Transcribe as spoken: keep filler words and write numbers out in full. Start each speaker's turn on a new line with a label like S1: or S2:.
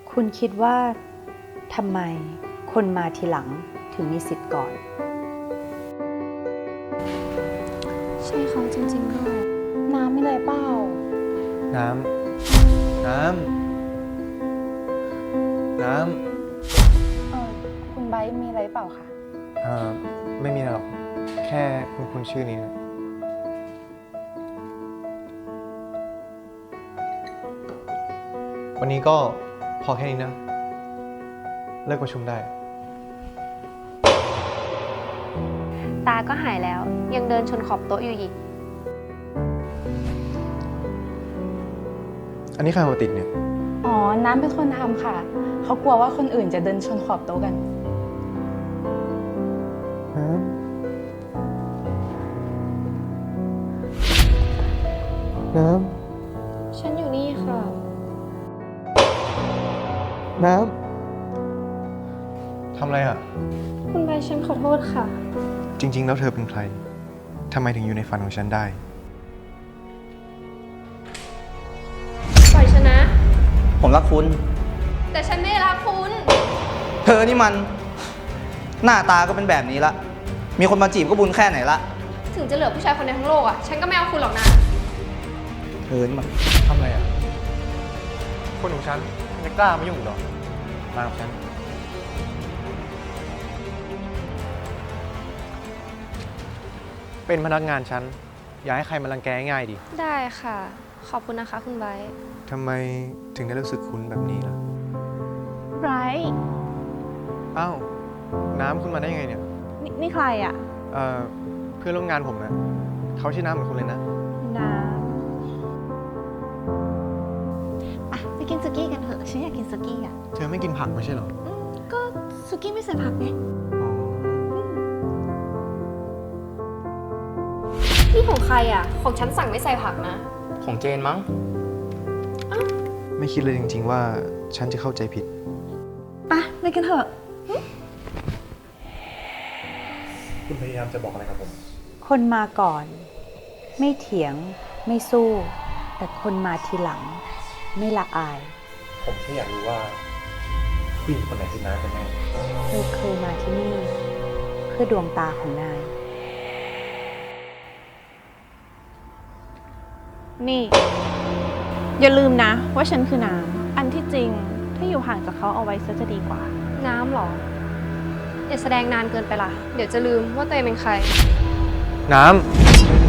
S1: คุณคิดว่าทำไมคนมาทีหลังถึงมีสิทธิ์ก่อน
S2: ใช่เขาจริงๆด้วยน้ำไม่เลยเปล่า
S3: น้ำ น้ำ น้ำ
S2: เออคุณไบร์ทมีอะไรเปล่าคะ
S3: เอ่อไม่มีอะไรหรอก แค่คุณคุณชื่อนี้นะวันนี้ก็พอแค่นี้นะ เลิกประชุมได้
S4: ตาก็หายแล้วยังเดินชนขอบโต๊ะอยู่อีก
S3: อันนี้ใครเอามาติดเนี่ย
S2: อ๋อน้ำเป็นคนทำค่ะเขากลัวว่าคนอื่นจะเดินชนขอบโต๊ะกัน
S3: น้ำ น้
S2: ฉันอยู่นี่ค่ะ
S3: ำ น้ำ ทำอะไรอ่ะ
S2: คุณไบร์ทฉันขอโทษค่ะ
S3: จริงๆ แล้วเธอเป็นใคร ทำไมถึงอยู่ในฝันของฉันได้
S4: ปล่อยฉันนะ
S5: ผมรักคุณ
S4: แต่ฉันไม่รักคุณ
S5: เธอนี่มัน หน้าตาก็เป็นแบบนี้ละ มีคนมาจีบก็บุญแค่ไหนละ
S4: ถึงจะเหลือผู้ชายคนในทั้งโลกอ่ะ ฉันก็ไม่เอาคุณหรอกนะ
S5: เธอนี่มัน
S3: ทำอะไรอ่ะ คนของฉันมันจะกล้ามายุ่งอีกหรอ มากับฉัน เป็นพนักงานฉัน อย่าให้ใครมารังแกง่ายดิ
S4: ได้ค่ะ ขอบคุณนะคะคุณไบร์ท
S3: ทำไมถึงได้รู้สึกคุ้นแบบนี้ล่ะ
S2: ไบร์ท
S3: อ้าว น้ำคุณมาได้ยังไงเนี่ย
S2: นี่นี่ใครอ่ะ
S3: เอ่อ เพื่อนร่วมงานผมนะเขาชื่อน้ำเหมือนคุณเลยนะ
S2: น้
S6: อ่ะไปกินสุกี้กันเถอะฉันอยากกินสุกี้อ่ะ
S3: เธอไม่กินผักไม่ใช่เหรอ
S6: อืมก็สุกี้ไม่ใส่ผักไง
S3: อ๋อ
S4: นี่ของใครอ่ะ ของฉันสั่งไม่ใส่ผักนะ
S5: ของเจนมั้ง
S3: ไม่คิดเลยจริงๆว่าฉันจะเข้าใจผิด
S6: ไปไปกันเถอะ
S3: คุณพยายามจะบอกอะไรกับผม
S1: คนมาก่อน ไม่เถียงไม่สู้ แต่คนมาทีหลัง ไม่ละอาย
S3: ผมแค่อยากรู้ว่าผู้หญิงคนไหนคือน้ำกันแน่
S1: เธอเคยมาที่นี่ เพื่อดวงตาของนาย
S2: ำนี่ อย่าลืมนะว่าฉันคือน้ำอันที่จริงถ้าอยู่ห่างจากเขาเอาไว้ซะจะดีกว่า
S4: น้ำเหรอ อย่าแสดงนานเกินไปล่ะ เดี๋ยวจะลืมว่าตัวเองเป็นใคร
S3: น้ำ